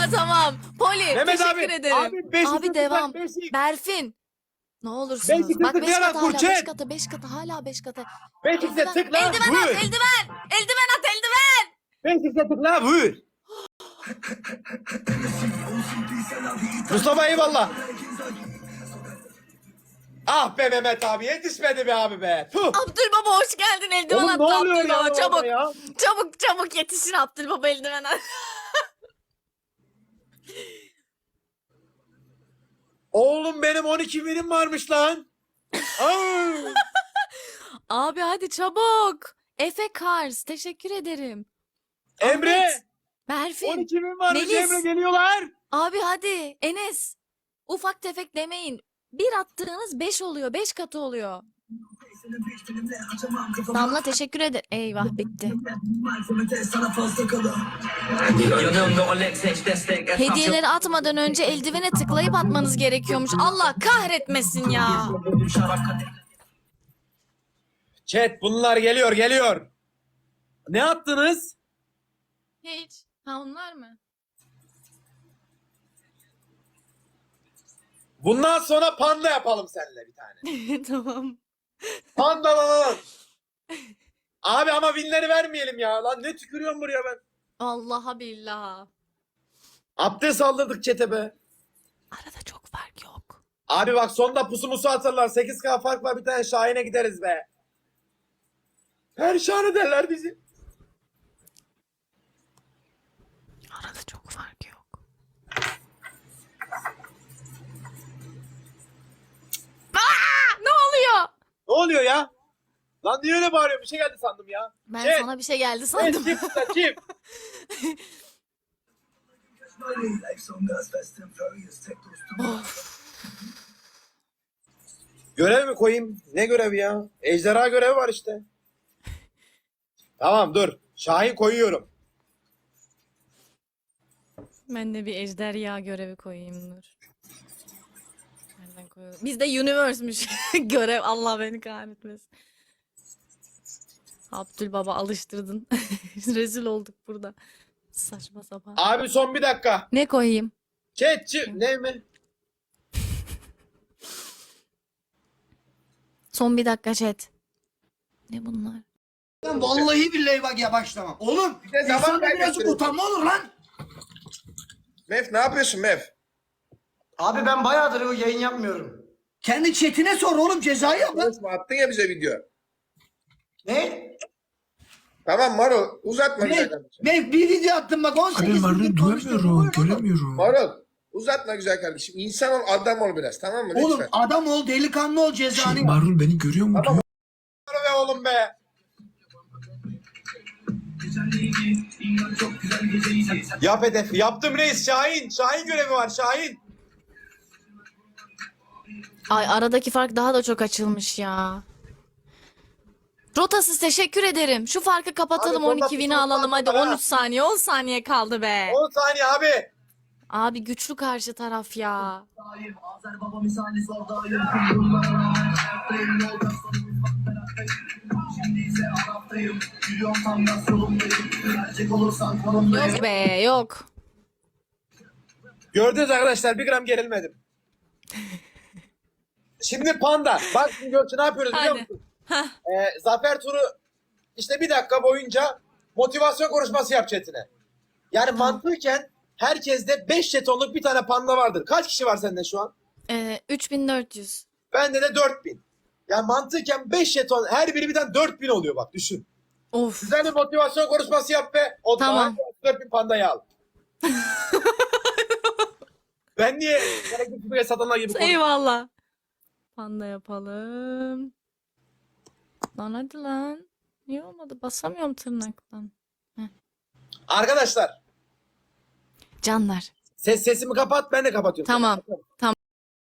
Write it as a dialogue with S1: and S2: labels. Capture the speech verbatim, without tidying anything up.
S1: tamam. Poli
S2: Mehmet
S1: teşekkür
S2: abi,
S1: ederim.
S2: abi, beş
S1: Abi
S2: yüz
S1: devam.
S2: tıklar, beş yüz.
S1: Berfin. Ne olursunuz.
S2: Beşikte
S1: Bak beş
S2: tıklayarak
S1: katı hala
S2: Burçet.
S1: beş katı beş katı hala beş katı.
S2: Beşikte
S1: Eldiven,
S2: tıkla.
S1: eldiven
S2: Vur.
S1: at eldiven. Eldiven at eldiven.
S2: Beşikte tıkla vur. Mustafa eyvallah. Ah be Mehmet abi, yetişmedi be abi be. Puh.
S1: Abdülbaba hoş geldin eldiven
S2: Oğlum
S1: attı
S2: ne oluyor ya
S1: Abdülbaba
S2: orada
S1: çabuk.
S2: ya?
S1: Çabuk çabuk yetişin Abdülbaba eldiven at.
S2: Oğlum benim on iki binim varmış lan. Aa.
S1: Abi hadi çabuk. Efe Kars teşekkür ederim.
S2: Emre.
S1: Ahmet, Berfin.
S2: on iki bin varmış
S1: Melis.
S2: Emre, geliyorlar.
S1: Abi hadi Enes. Ufak tefek demeyin. Bir attığınız beş oluyor. Beş katı oluyor. Damla teşekkür ederim. Eyvah bitti. Hediyeleri atmadan önce eldivene tıklayıp atmanız gerekiyormuş. Allah kahretmesin ya.
S2: Chat bunlar geliyor geliyor. Ne attınız?
S1: Hiç. Ha onlar mı?
S2: Bundan sonra panda yapalım seninle bir tane.
S1: Tamam.
S2: Panda lan. Abi ama winleri vermeyelim ya. Lan ne tükürüyorum buraya ben.
S1: Allaha billah.
S2: Abdest aldırdık çete be.
S1: Arada çok fark yok.
S2: Abi bak sonda pusu musu atarlar. sekiz K fark var, bir tane Şahin'e gideriz be. Perşan ederler bizi.
S1: Arada çok fark yok. Aa, ne oluyor?
S2: Ne oluyor ya? Lan niye öyle bağırıyor? Bir şey geldi sandım ya.
S1: Ben
S2: Chat.
S1: sana bir şey geldi
S2: Evet,
S1: sandım.
S2: çift tıkla, çift. Görev mi koyayım? Ne görevi ya? Ejderha görevi var işte. Tamam dur. Şahin koyuyorum.
S1: Ben de bir ejderha görevi koyayım dur. Nereden koyalım? Bizde universe'müş görev. Allah beni kahretmesin. Abdülbaba alıştırdın. Rezil olduk burada. Saçma sapan.
S2: Abi son bir dakika.
S1: Ne koyayım?
S2: Chat çift. Ne mi?
S1: Son bir dakika chat. Ne bunlar?
S3: Lan vallahi billahi bak ya başlamam. Oğlum
S2: de zaman
S3: insanda birazcık
S2: kaybettirin.
S3: utanma olur lan.
S2: Mef ne yapıyorsun Mef?
S3: Abi ben bayağıdır o yayın yapmıyorum. Kendi chatine sor oğlum, cezayı yap lan.
S2: Konuşma, attın ya bize video.
S3: Ne?
S2: Tamam Maro uzatma güzel
S3: Ne?
S2: kardeşim.
S3: Ne? Bir video attım bak on
S4: Abi
S3: sekiz
S4: Marul'u
S3: bin konuştum.
S4: duyamıyorum, göremiyorum.
S2: Maro uzatma güzel kardeşim. İnsan ol, adam ol biraz, tamam mı?
S3: Oğlum
S2: Lütfen.
S3: adam ol, delikanlı ol, cezanı
S4: Şey,
S3: yap.
S4: Marul beni görüyor mu?
S2: Tamam.
S4: Duyuyor.
S2: Maro be oğlum be. Yap hedef. Yaptım reis. Şahin. Şahin görevi var. Şahin.
S1: Ay aradaki fark daha da çok açılmış ya. Rotasız teşekkür ederim. Şu farkı kapatalım,
S2: Abi,
S1: on iki
S2: sonunda
S1: win'i
S2: pusu
S1: alalım hadi.
S2: kaldı ha.
S1: on üç saniye on saniye kaldı be.
S2: on saniye abi.
S1: Abi güçlü karşı taraf ya.
S5: Azer baba misali zordayım. Şimdi ise Arap'tayım. Biliyorum tam gaz yolundayım. Gelecek olursan konumdayım.
S1: Yok be yok.
S2: Gördünüz arkadaşlar, bir gram gerilmedim. Şimdi panda. Bak şimdi Gökçe ne yapıyoruz biliyor
S1: Hadi.
S2: musun? Ee, zafer turu işte bir dakika boyunca motivasyon konuşması yap chatine. Yani mantıken herkeste beş jetonluk bir tane panda vardır. Kaç kişi var sende şu an?
S1: Ee, üç bin dört yüz.
S2: Bende de dört bin. Yani mantıken beş jeton, her biri birden dört bin oluyor bak düşün.
S1: Of.
S2: Güzel bir motivasyon konuşması yap be. O
S1: Tamam.
S2: zaman dört bin pandayı al. Ben niye gerekli bir satanlar gibi konuşuyorum?
S1: Eyvallah. Panda yapalım. Lan hadi lan. Niye olmadı? Basamıyorum tırnaktan.
S2: Arkadaşlar
S1: Canlar.
S2: ses sesimi kapat, ben de kapatıyorum.
S1: Tamam. Tamam.